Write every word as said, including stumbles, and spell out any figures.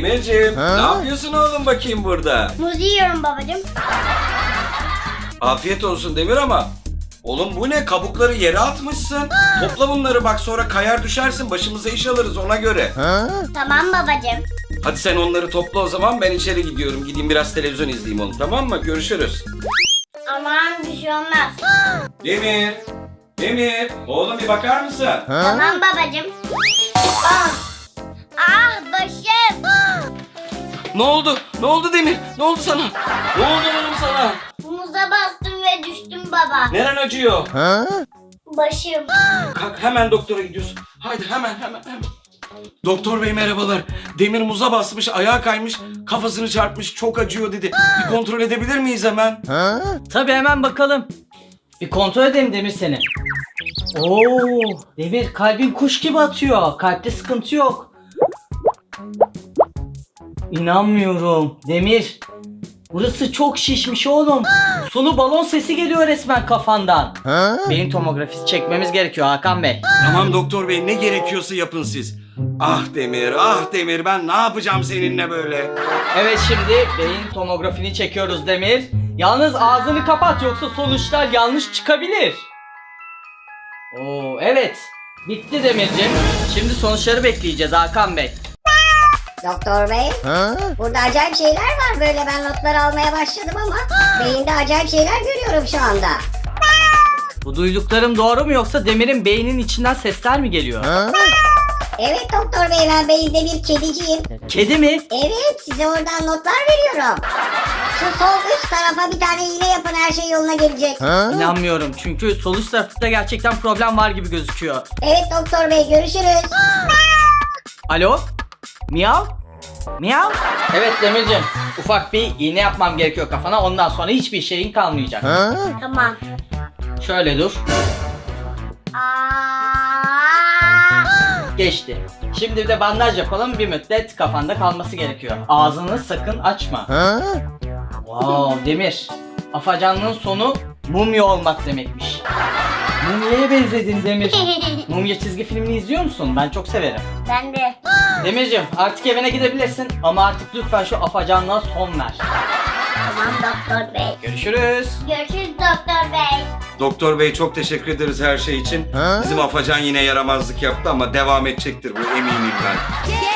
Demirciğim, ne yapıyorsun oğlum bakayım burada? Muz yiyorum babacığım. Afiyet olsun Demir ama oğlum bu ne? Kabukları yere atmışsın. Topla bunları bak, sonra kayar düşersin, başımıza iş alırız ona göre. Tamam babacığım. Hadi sen onları topla o zaman, ben içeri gidiyorum. Gideyim biraz televizyon izleyeyim oğlum, tamam mı? Görüşürüz. Aman bir şey olmaz. Demir, Demir, oğlum bir bakar mısın? Tamam babacığım. Ah, ah başım. Ne oldu? Ne oldu Demir? Ne oldu sana? Ne oldu oğlum sana? Muza bastım ve düştüm baba. Neren acıyor? Başım. Kalk, hemen doktora gidiyorsun. Haydi hemen hemen hemen. Doktor bey merhabalar. Demir muza basmış, ayağa kaymış, kafasını çarpmış, çok acıyor dedi. Bir kontrol edebilir miyiz hemen? Tabii hemen bakalım. Bir kontrol edelim Demir seni. Oo, Demir kalbin kuş gibi atıyor. Kalpte sıkıntı yok. İnanmıyorum. Demir. Burası çok şişmiş oğlum. Sulu balon sesi geliyor resmen kafandan. Beyin tomografisi çekmemiz gerekiyor Hakan Bey. Tamam doktor bey, ne gerekiyorsa yapın siz. Ah Demir, ah Demir, ben ne yapacağım seninle böyle? Evet, şimdi beyin tomografini çekiyoruz Demir. Yalnız ağzını kapat, yoksa sonuçlar yanlış çıkabilir. Oo, evet. Bitti Demirciğim. Şimdi sonuçları bekleyeceğiz Hakan Bey. Doktor bey, burada acayip şeyler var, böyle ben notları almaya başladım ama beyinde acayip şeyler görüyorum şu anda. Bu duyduklarım doğru mu, yoksa Demir'in beyninin içinden sesler mi geliyor? Evet doktor bey, ben beyinde bir kediciyim. Kedi mi? Evet, size oradan notlar veriyorum. Şu sol üst tarafa bir tane iğne yapın, her şey yoluna gelecek. İnanmıyorum, çünkü sol üst tarafta gerçekten problem var gibi gözüküyor. Evet doktor bey, görüşürüz. Alo? Miyav? Miyav? Evet Demirciğim, ufak bir iğne yapmam gerekiyor kafana, ondan sonra hiçbir şeyin kalmayacak. Tamam. Şöyle dur. Aa. Geçti. Şimdi bir de bandaj yapalım, bir müddet kafanda kalması gerekiyor. Ağzını sakın açma. Wow Demir, afacanlığın sonu mumya olmak demekmiş. Mumya'ya benzedin Demir. Mumya çizgi filmini izliyor musun? Ben çok severim. Ben de. Demirciğim, artık evine gidebilirsin ama artık lütfen şu afacanlığa son ver. Tamam doktor bey. Görüşürüz. Görüşürüz doktor bey. Doktor bey çok teşekkür ederiz her şey için. Bizim Afacan yine yaramazlık yaptı ama devam edecektir bu, eminim ben.